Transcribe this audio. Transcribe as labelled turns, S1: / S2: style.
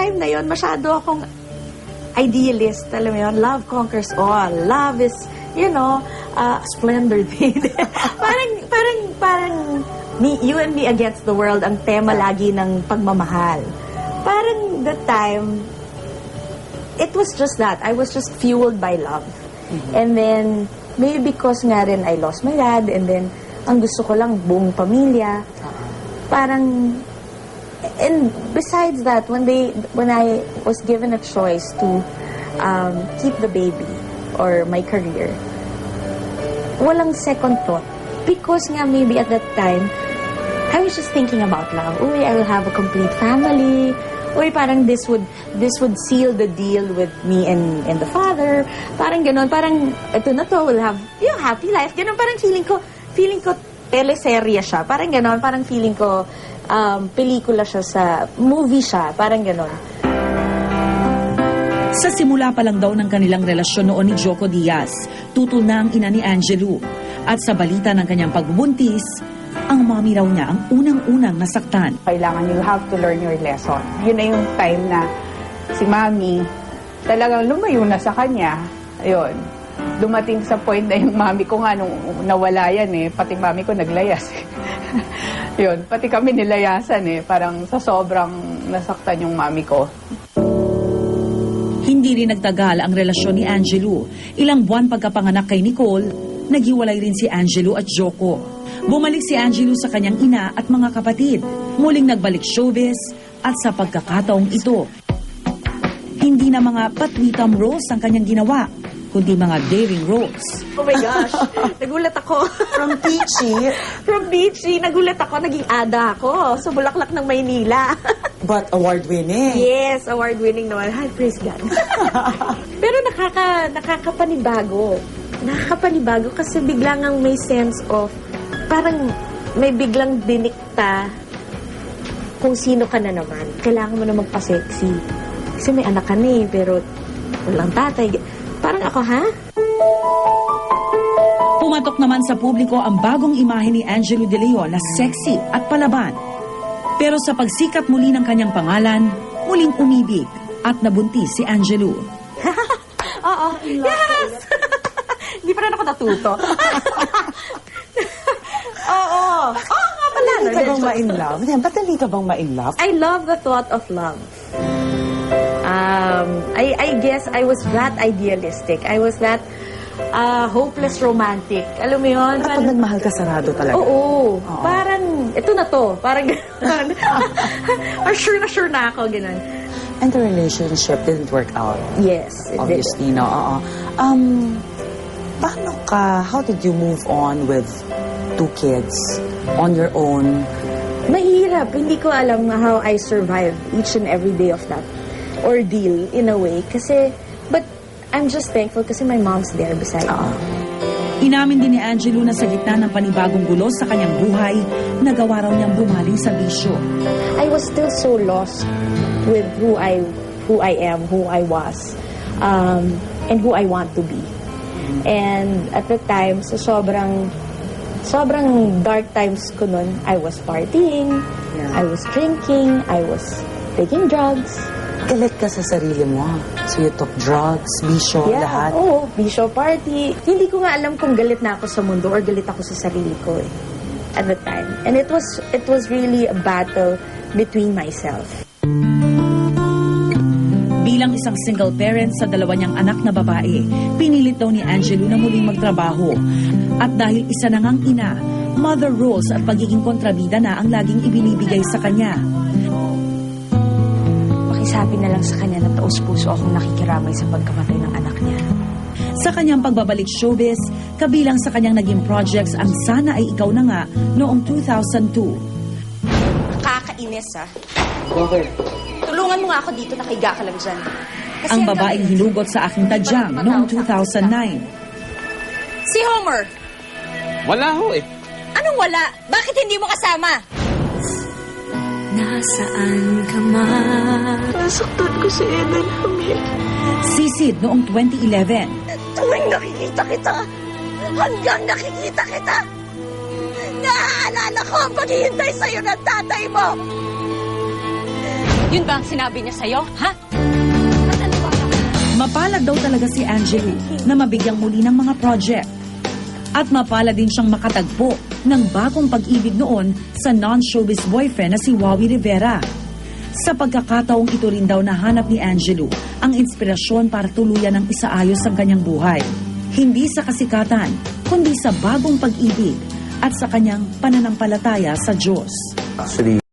S1: time na yon masyado akong idealist, alam mo yun, love conquers all. Love is, you know, splendor thing. parang you and me against the world ang tema lagi ng pagmamahal. Parang that time, it was just that. I was just fueled by love. And then, maybe because nga rin I lost my dad, and then, ang gusto ko lang buong pamilya. Parang, and besides that, when I was given a choice to keep the baby or my career, walang second thought. Because nga maybe at that time, I was just thinking about love. Uy, I will have a complete family. Uy, parang this would seal the deal with me and the father. Parang ganon, parang ito na to, we'll have, you know, happy life. Ganon, parang feeling ko teleserye siya. Parang ganon, parang feeling ko pelikula siya movie siya. Parang ganon.
S2: Sa simula pa lang daw ng kanilang relasyon noon ni Joco Diaz, tutol na ang ina ni Angelo. At sa balita ng kanyang pagbubuntis, ang mommy raw niya ang unang-unang nasaktan.
S3: Kailangan you have to learn your lesson. Yun na yung time na si mami talagang lumayo na sa kanya. Ayun. Dumating sa point na yung mami ko nga nung nawala yan pati mami ko naglayas. Yun, pati kami nilayasan parang sa sobrang nasaktan yung mami ko.
S2: Hindi rin nagtagal ang relasyon ni Angelo. Ilang buwan pagkapanganak kay Nicole, naghiwalay rin si Angelo at Joco. Bumalik si Angelo sa kanyang ina at mga kapatid. Muling nagbalik showbiz at sa pagkakataong ito, hindi na mga patwitam roles ang kanyang ginawa, kundi mga daring roles.
S1: Oh my gosh, nagulat ako.
S4: From Peachy.
S1: From Beachy, nagulat ako, naging ada ako sa Bulaklak ng Maynila.
S4: But award-winning.
S1: Yes, award-winning naman. Hi, praise God. Pero nakakapanibago. Nakakapanibago kasi biglang ang may sense of, parang may biglang dinikta kung sino ka na naman. Kailangan mo na magpa-sexy. Kasi may anak ka na pero walang tatay. Parang ako, ha?
S2: Pumatok naman sa publiko ang bagong imahe ni Angelo De Leon na sexy at palaban. Pero sa pagsikat muli ng kanyang pangalan, muling umibig at nabuntis si Angelo.
S1: Oo. Yes! Hindi pa rin ako natuto. Oo. Oo nga pala.
S4: Dali ka bang ma-in love? Ba't dali ka bang ma-in love?
S1: I love the thought of love. I guess I was that idealistic. I was that hopeless romantic. Alam mo yun?
S4: At pag nagmahal ka, sarado talaga.
S1: Oo. Parang, ito na to. Parang gano'n. Or sure na ako, gano'n.
S4: And the relationship didn't work out.
S1: Yes, it
S4: Obviously,
S1: did.
S4: no? Paano ka, how did you move on with 2 kids on your own?
S1: Mahirap. Hindi ko alam how I survived each and every day of that ordeal in a way. Kasi, but I'm just thankful kasi my mom's there beside me.
S2: Inamin din ni Angelo na sa gitna ng panibagong gulo sa kanyang buhay, nagawa raw niyang bumaling sa bisyo.
S1: I was still so lost with who I am, who I was, and who I want to be. And at the time, sa sobrang dark times ko nun, I was partying, I was drinking, I was taking drugs.
S4: Galit ka sa sarili mo. So you took drugs, bisyo, lahat.
S1: Oo, bisyo, party. Hindi ko nga alam kung galit na ako sa mundo or galit ako sa sarili ko at the time. And it was really a battle between myself.
S2: Bilang isang single parent sa dalawa niyang anak na babae, pinilit daw ni Angelo na muling magtrabaho. At dahil isa na ngang ina, mother roles at pagiging kontrabida na ang laging ibinibigay sa kanya.
S1: Pakisabi na lang sa kanya na taos-puso akong nakikiramay sa pagkamatay ng anak niya.
S2: Sa kanyang pagbabalik showbiz, kabilang sa kanyang naging projects ang Sana Ay Ikaw Na Nga noong 2002.
S5: Nakakainis, ha? Tulungan mo nga ako dito, nakahiga ka lang dyan. Kasi
S2: Ang babaeng hinugot sa Aking Tadyang noong 2009.
S5: Si Homer!
S6: Wala ho eh.
S5: Anong wala? Bakit hindi mo kasama?
S7: Nasaan ka man?
S1: Nasaktan ko si Eden Hamil.
S2: Sisid noong 2011.
S5: Tuwing nakikita kita, hanggang nakikita kita, naaalala ko ang paghihintay sa'yo ng tatay mo. Yun ba ang sinabi niya sa'yo, ha?
S2: Mapalad daw talaga si Angelo na mabigyang muli ng mga project. At mapalad din siyang makatagpo ng bagong pag-ibig noon sa non-showbiz boyfriend na si Wawi Rivera. Sa pagkakataong ito rin daw nahanap ni Angelo ang inspirasyon para tuluyan ng isaayos ang kanyang buhay. Hindi sa kasikatan, kundi sa bagong pag-ibig at sa kanyang pananampalataya sa Diyos.
S8: Actually,